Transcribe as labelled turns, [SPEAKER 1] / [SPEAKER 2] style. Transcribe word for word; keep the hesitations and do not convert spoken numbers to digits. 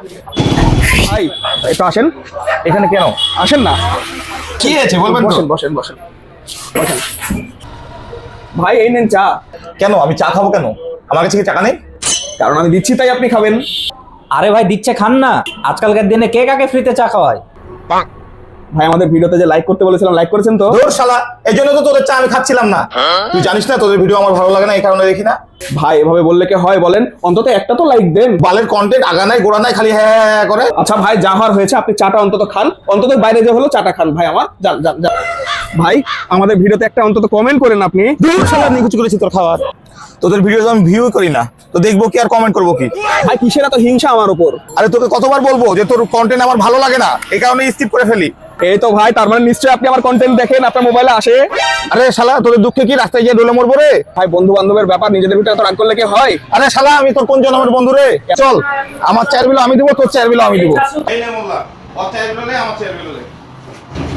[SPEAKER 1] ভাই একটু আসেন।
[SPEAKER 2] এখানে কেন
[SPEAKER 1] আসেন না।
[SPEAKER 2] কি আছে বলবেন তো?
[SPEAKER 1] বসেন বসেন বসেন বসেন। ভাই এই নেন চা।
[SPEAKER 2] কেন আমি চা খাবো কেন? আমার কাছে কি টাকা নেই?
[SPEAKER 1] কারণ আমি দিচ্ছি তাই আপনি খাবেন।
[SPEAKER 3] আরে ভাই দিচ্ছে খান না, আজকালকার দিনে কে কাকে ফ্রিতে চা খাওয়ায়।
[SPEAKER 1] ভাই আমাদের ভিডিওতে যে লাইক করতে বলেছিলাম লাইক করেছেন তো?
[SPEAKER 2] ধুর শালা, এই জন্য তো তোদের চা আমি খাচ্ছিলাম না। তুই জানিস না তোদের ভিডিও আমার ভালো লাগে না, এই কারণে দেখি না।
[SPEAKER 1] ভাই এভাবে বললে কি হয় বলেন? অন্তত একটা তো লাইক দেন।
[SPEAKER 2] বালের কন্টেন্ট আগা নাই গোড়া নাই, খালি হ্যাঁ হ্যাঁ হ্যাঁ করে।
[SPEAKER 1] আচ্ছা ভাই যা হওয়ার হয়েছে, আপনি চাটা অন্তত খান। অন্তত বাইরে যে হলো চাটা খান ভাই আমার। যান যান যান। ভাই আমাদের ভিডিওতে একটা অন্তত কমেন্ট করেন আপনি।
[SPEAKER 2] ধুর শালা, নিকুচি করেছি তোর খাবার। তোদের ভিডিও তো আমি ভিউ করি না, তো দেখবো কি আর কমেন্ট করবো কি?
[SPEAKER 1] ভাই কিসের এত হিংসা আমার উপর?
[SPEAKER 2] আরে তোকে কতবার বলবো যে তোর কন্টেন্ট আমার ভালো লাগে না, এই কারণে স্কিপ করে ফেলি।
[SPEAKER 1] এই তো ভাই, তার মানে নিশ্চয়ই আপনি আমার কন্টেন্ট দেখেন, আপনার মোবাইলে আসে।
[SPEAKER 2] আরে শালা, তোদের দুঃখে কি রাস্তায় গিয়ে ডলে মরবো রে?
[SPEAKER 1] ভাই বন্ধু বান্ধবের ব্যাপার, নিজেদের ভিতরে এত রাগ করলে কি হয়?
[SPEAKER 2] আরে শালা, আমি তোর কোন জন্মের বন্ধু রে? চল, আমার চেয়ার বিলো আমি দিব, তোর চেয়ার বিলো আমি দিব। এই নে মোল্লা, ওর চেয়ার বিলো নে, আমার চেয়ার বিলো নে।